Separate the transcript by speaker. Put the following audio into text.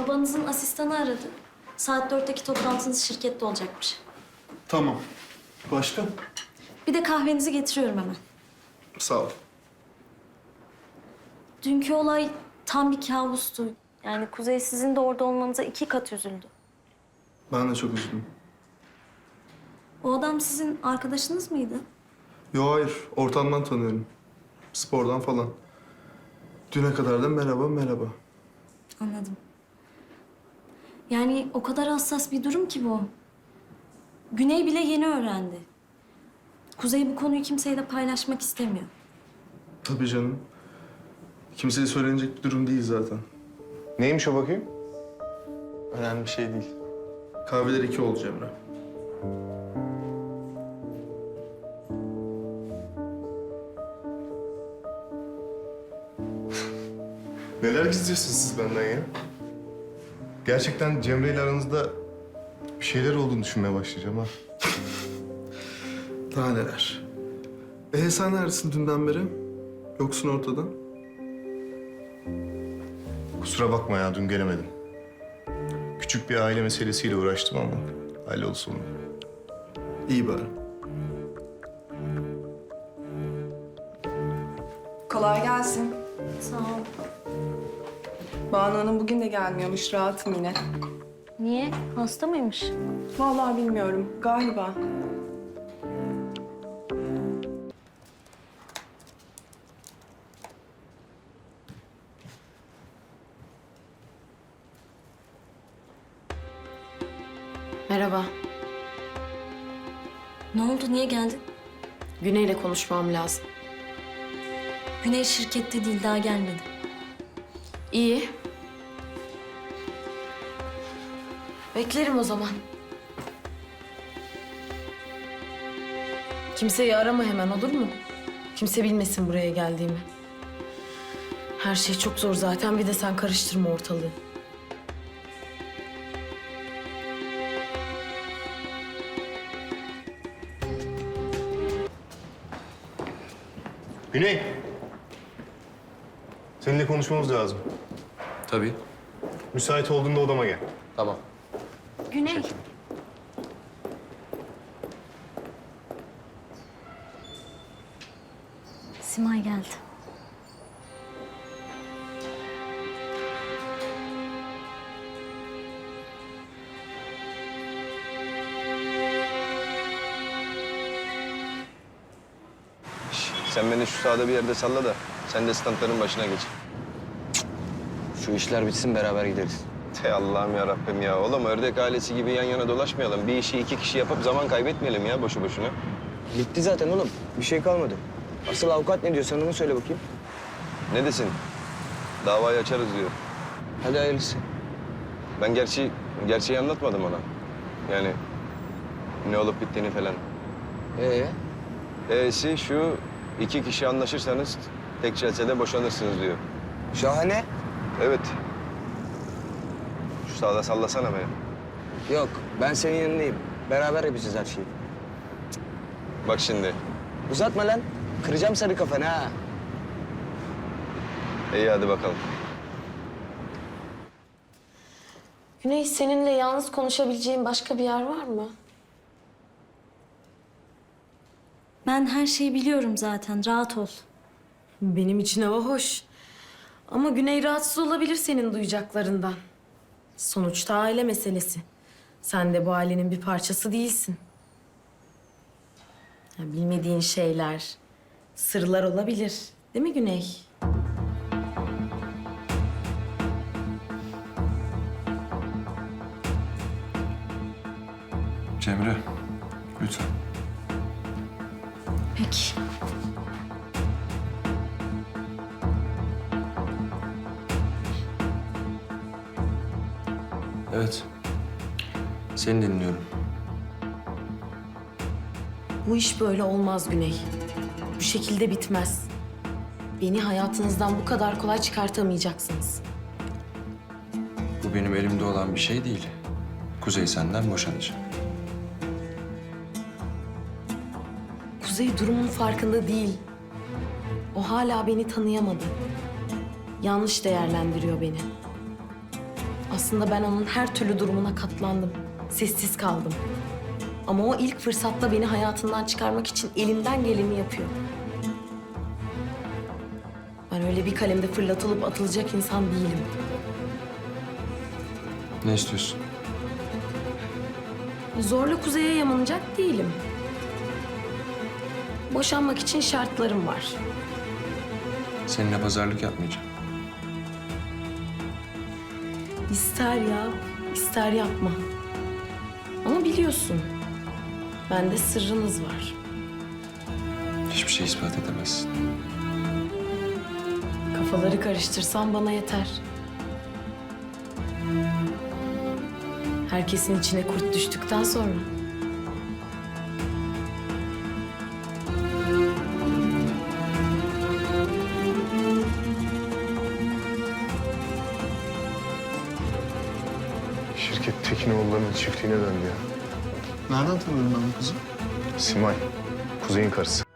Speaker 1: Babanızın asistanı aradı. Saat 4'teki toplantınız şirkette olacakmış.
Speaker 2: Tamam. Başka?
Speaker 1: Bir de kahvenizi getiriyorum hemen.
Speaker 2: Sağ ol.
Speaker 1: Dünkü olay tam bir kabustu. Yani Kuzey sizin de orada olmanıza 2 kat üzüldü.
Speaker 2: Ben de çok üzüldüm.
Speaker 1: O adam sizin arkadaşınız mıydı?
Speaker 2: Yo hayır, ortamdan tanıyorum. Spordan falan. Düne kadar da merhaba merhaba.
Speaker 1: Anladım. Yani o kadar hassas bir durum ki bu. Güney bile yeni öğrendi. Kuzey bu konuyu kimseyle paylaşmak istemiyor.
Speaker 2: Tabii canım. Kimseye söylenecek bir durum değil zaten.
Speaker 3: Neymiş o bakayım?
Speaker 2: Önemli bir şey değil. Kahveler 2 oldu Cemre.
Speaker 3: Neler gizliyorsunuz siz benden ya? Gerçekten Cemre ile aranızda bir şeyler olduğunu düşünmeye başlayacağım ha.
Speaker 2: Daha neler? Sen neredesin dünden beri? Yoksun ortada.
Speaker 3: Kusura bakma ya dün gelemedim. Küçük bir aile meselesiyle uğraştım ama halloldu sonunda.
Speaker 2: İyi bari.
Speaker 4: Kolay gelsin.
Speaker 1: Sağ ol.
Speaker 4: Banu Hanım bugün de gelmiyormuş, rahatım yine.
Speaker 1: Niye? Hasta mıymış?
Speaker 4: Vallahi bilmiyorum, galiba.
Speaker 5: Merhaba.
Speaker 1: Ne oldu? Niye geldin?
Speaker 5: Güney'le konuşmam lazım.
Speaker 1: Güney şirkette değil, daha gelmedi.
Speaker 5: İyi. Beklerim o zaman. Kimseyi arama hemen, olur mu? Kimse bilmesin buraya geldiğimi. Her şey çok zor zaten. Bir de sen karıştırma ortalığı.
Speaker 3: Güney! Seninle konuşmamız lazım.
Speaker 6: Tabii.
Speaker 3: Müsait olduğunda odama gel.
Speaker 6: Tamam.
Speaker 1: Güney. Simay geldi.
Speaker 7: Sen beni şu sahada bir yerde salla da sen de standların başına geç. Şu işler bitsin beraber gideriz. Te Allah'ım ya Rabbim ya. Oğlum ördek ailesi gibi yan yana dolaşmayalım. Bir işi 2 kişi yapıp zaman kaybetmeyelim ya boşu boşuna. Bitti zaten oğlum. Bir şey kalmadı. Asıl avukat ne diyor sen onu söyle bakayım. Ne desin? Davayı açarız diyor. Hadi hayırlısı. Ben gerçeği anlatmadım ona. Yani ne olup bittiğini falan. E'si şu, 2 kişi anlaşırsanız tek celsede boşanırsınız diyor.
Speaker 8: Şahane.
Speaker 7: Evet. Şu sağda sallasana beni.
Speaker 8: Yok, ben senin yanındayım. Beraber yapacağız her şeyi.
Speaker 7: Bak şimdi.
Speaker 8: Uzatma lan. Kıracağım sarı kafanı ha.
Speaker 7: İyi hadi bakalım.
Speaker 5: Güney, seninle yalnız konuşabileceğim başka bir yer var mı?
Speaker 1: Ben her şeyi biliyorum zaten, rahat ol.
Speaker 5: Benim için hava hoş. Ama Güney rahatsız olabilir senin duyacaklarından. Sonuçta aile meselesi. Sen de bu ailenin bir parçası değilsin. Ya, bilmediğin şeyler, sırlar olabilir. Değil mi Güney?
Speaker 6: Cemre, lütfen.
Speaker 1: Peki.
Speaker 6: Evet. Seni dinliyorum.
Speaker 5: Bu iş böyle olmaz Güney. Bu şekilde bitmez. Beni hayatınızdan bu kadar kolay çıkartamayacaksınız.
Speaker 6: Bu benim elimde olan bir şey değil. Kuzey senden boşanacak.
Speaker 5: Kuzey durumun farkında değil. O hala beni tanıyamadı. Yanlış değerlendiriyor beni. Aslında ben onun her türlü durumuna katlandım. Sessiz kaldım. Ama o ilk fırsatta beni hayatından çıkarmak için elinden geleni yapıyor. Ben öyle bir kalemde fırlatılıp atılacak insan değilim.
Speaker 6: Ne istiyorsun?
Speaker 5: Zorla Kuzey'e yamanacak değilim. Boşanmak için şartlarım var.
Speaker 6: Seninle pazarlık yapmayacağım.
Speaker 5: İster yap, ister yapma. Ama biliyorsun, bende sırrınız var.
Speaker 6: Hiçbir şey ispat edemezsin.
Speaker 5: Kafaları karıştırsan bana yeter. Herkesin içine kurt düştükten sonra.
Speaker 3: Şirket Tekinoğulları'nın çiftliğine döndü ya.
Speaker 2: Nereden tanıyorum ben bu kızı?
Speaker 3: Simay, Kuzey'in karısı.